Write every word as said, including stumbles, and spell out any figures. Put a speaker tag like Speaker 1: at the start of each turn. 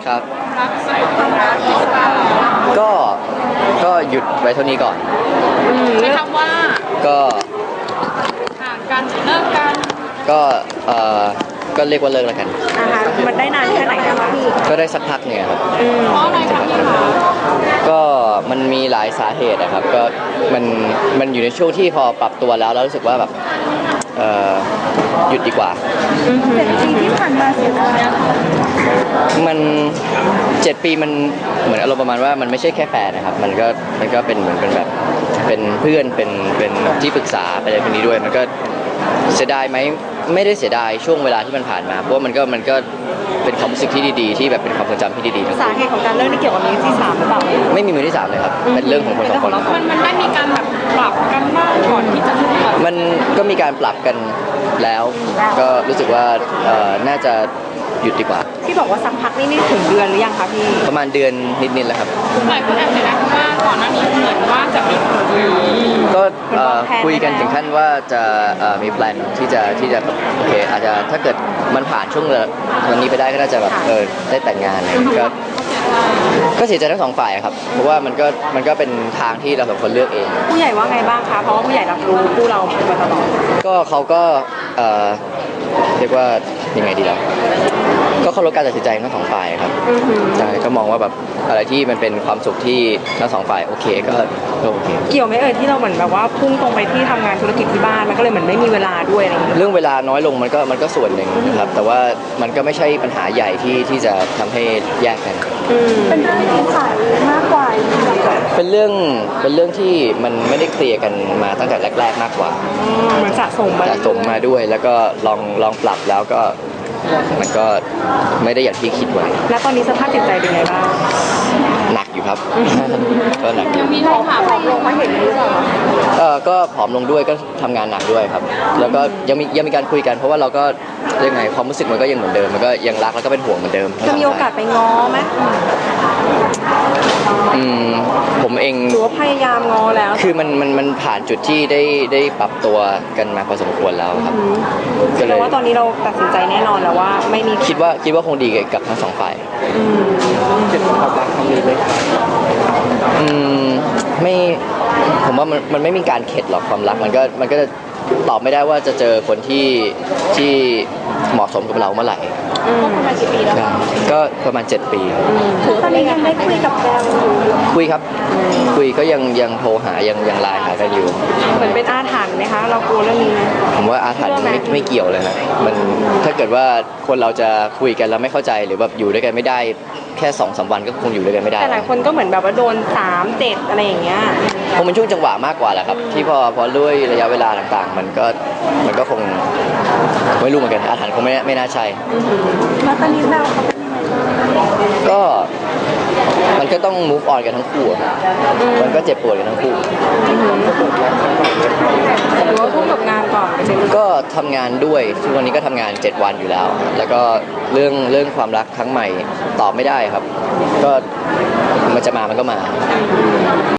Speaker 1: ครับ
Speaker 2: รักใส่ความรักหรือเปล่า
Speaker 1: ก็ก็หยุดไว้เท่านี้ก่อน
Speaker 2: ใช้คำว่า
Speaker 1: ก็
Speaker 2: ห่างกันเลิกกัน
Speaker 1: ก็เอ่อก็เรียกว่าเลิกแล้วกัน
Speaker 3: นะคะมันได้นานแค่ไหนนะคะพี่
Speaker 1: ก็ได้สักพักเนี่ยครับ
Speaker 2: เพราะอะไรคะพี่คะ
Speaker 1: ก็มันมีหลายสาเหตุนะครับก็มันมันอยู่ในช่วงที่พอปรับตัวแล้วแล้วรู้สึกว่าแบบเอ่อหยุดดีกว่า
Speaker 3: เจ็ดปีที่ผ่านมาเสียดาย
Speaker 1: มันเจ็ดปีมันเหมือนอารมณ์ประมาณว่ามันไม่ใช่แค่แฟนนะครับมันก็มันก็เป็นเหมือนเป็นแบบเป็นเพื่อนเป็นเป็นที่ปรึกษาไปอะไรพวกนี้ด้วยมันก็เสียดายไหมไม่ได้เสียดายช่วงเวลาที่มันผ่านมาเพราะว่ามันก็มันก็เป็นความรู้สึกที่ดีๆที่แบบเป็นความทรงจำที่ดี
Speaker 3: ๆสาเหตุของการเลิกนี่เกี่ยวกับมือที่สามหรือเปล่า
Speaker 1: ไม่มีมือที่สามเลยครับเป็นเรื่องของคนสองคน
Speaker 2: มันมันได้มีการแบบปรับกันบ้างก่อนที่จะ
Speaker 1: มันก็มีการปรับกันแล้วก็รู้สึกว่าน่าจะหยุดดีกว่า
Speaker 3: ที่บอกว่าสักพักนี่นี่ถึงเดือนหรือยังคะพี่
Speaker 1: ประมาณเดือนนิดๆแล้วครับ
Speaker 2: หลายคนแอบเห็นนะว่าก่อนหน้านี้เหมือนว่าจะมี
Speaker 1: ก็คุยกันถึงขั้นว่าจะมีแพลนที่จะที่จะโอเคอาจจะถ้าเกิดมันผ่านช่วงวันนี้ไปได้ก็น่าจะแบบเออได้แต่งงานอะไรก็ก็เสียใจทั้งสองฝ่ายครับเพราะว่ามันก็มันก็เป็นทางที่เราสองคนเลือกเอง
Speaker 3: ผู้ใหญ่ว่าไงบ้างคะเพราะว่าผู้ใหญ่รับรู้คู่เรามาตลอด
Speaker 1: ก็เขาก็เรียกว่ายังไงดีล่ะก็เคารพการตัดสินใจทั้งสองฝ่ายครับใช่ก็มองว่าแบบอะไรที่มันเป็นความสุขที่ทั้งสองฝ่ายโอเคก็โอเค
Speaker 3: เกี่ยวไหมเอ่ยที่เราเหมือนแบบว่าพุ่งตรงไปที่ทำงานธุรกิจที่บ้านมันก็เลยเหมือนไม่มีเวลาด้วยอะไรอย่างเงี้ย
Speaker 1: เรื่องเวลาน้อยลงมันก็มันก็ส่วนหนึ่งนะครับแต่ว่ามันก็ไม่ใช่ปัญหาใหญ่ที่ที่จะทำให้แยกกัน
Speaker 3: เป็นเรื่องที่สายมากกว่า
Speaker 1: เป็นเรื่องเป็นเรื่องที่มันไม่ได้เคลียร์กันมาตั้งแต่แรกๆมากกว่า
Speaker 3: มันสะสมมา
Speaker 1: สะสมมาด้วยแล้วก็ลองลองปรับแล้วก็มันก็ไม่ได้อย่างที่คิดไว้
Speaker 3: แล้วตอนนี้สภาพจิตใจเป็นไงบ้าง
Speaker 1: หนักอยู่ครับก็หนัก
Speaker 2: ยังมีท้องขาผอมลงมาเห็นหรือเปล่า
Speaker 1: เออก็ผอมลงด้วยก็ทำงานหนักด้วยครับแล้วก็ยังมียังมีการคุยกันเพราะว่าเราก็ยังไงความรู้สึกมันก็ยังเหมือนเดิมมันก็ยังรักแล้วก็เป็นห่วงเหมือนเดิม
Speaker 3: จะมีโอกาสไปง้อไหม
Speaker 1: อืมผมเอง
Speaker 3: หรือว่าพยายามง้อแล้ว
Speaker 1: คือมันมันมันผ่านจุดที่ได้ได้ปรับตัวกันมาพอสมควรแล้วครับ
Speaker 3: ก็เลยว่าตอนนี้เราตัดสินใจแน่นอนแล้วว่าไม่มี
Speaker 1: คิดว่าคิดว่าคงดีกับทั้งสองฝ่ายเจ็บความรักครั้งนี้เลยอืมไม่ผมว่ามันมันไม่มีการเข็ดหรอกความรักมันก็มันก็จะตอบไม่ได้ว่าจะเจอคนที่ที่เหมาะสมกับเราเมื่อไหร่
Speaker 3: ก็ประมาณกี่ปีแล้ว
Speaker 1: ก็ประมาณเจ็ดปี
Speaker 3: ตอนนี้ยังได้คุยกับแฟน
Speaker 1: คุยครับคุยก็ยังยังโทรหายังยังไลน์หากันอยู่
Speaker 3: เหมือนเป็นอาถรรพ์ไหมคะเรากลัวเรื่องนี้ไหม
Speaker 1: ผมว่าอาถรรพ์ไม่ไม่เกี่ยวเลยนะมันถ้าเกิดว่าคนเราจะคุยกันแล้วไม่เข้าใจหรือแบบอยู่ด้วยกันไม่ได้แค่สองสามวันก็คงอยู่ด้วยกันไม่ได้
Speaker 3: แต่หลายคนก็เหมือนแบบว่าโดนสามเจ็ดอะไรอย่างเงี้ย
Speaker 1: คงเป็นช่วงจังหวะมากกว่าแหละครับที่พอพอด้วยระยะเวลาต่างๆมันก็มันก็คงไม่รู้เหมือนกันอาถรรพ์คงไม่ไม่น่าใช่
Speaker 3: แล้วตอนนี้เราเขาเป็นยังไง
Speaker 1: ก็มันก็ต้อง move on กันทั้งคู่มันก็เจ็บปวดกันทั้งคู่
Speaker 3: หรือว่าพุ่งกับงานก่อน
Speaker 1: ก็ทำงานด้วยทุกวันนี้ก็ทำงานเจ็ดวันอยู่แล้วแล้วก็เรื่องเรื่องความรักครั้งใหม่ตอบไม่ได้ครับก็มันจะมามันก็มา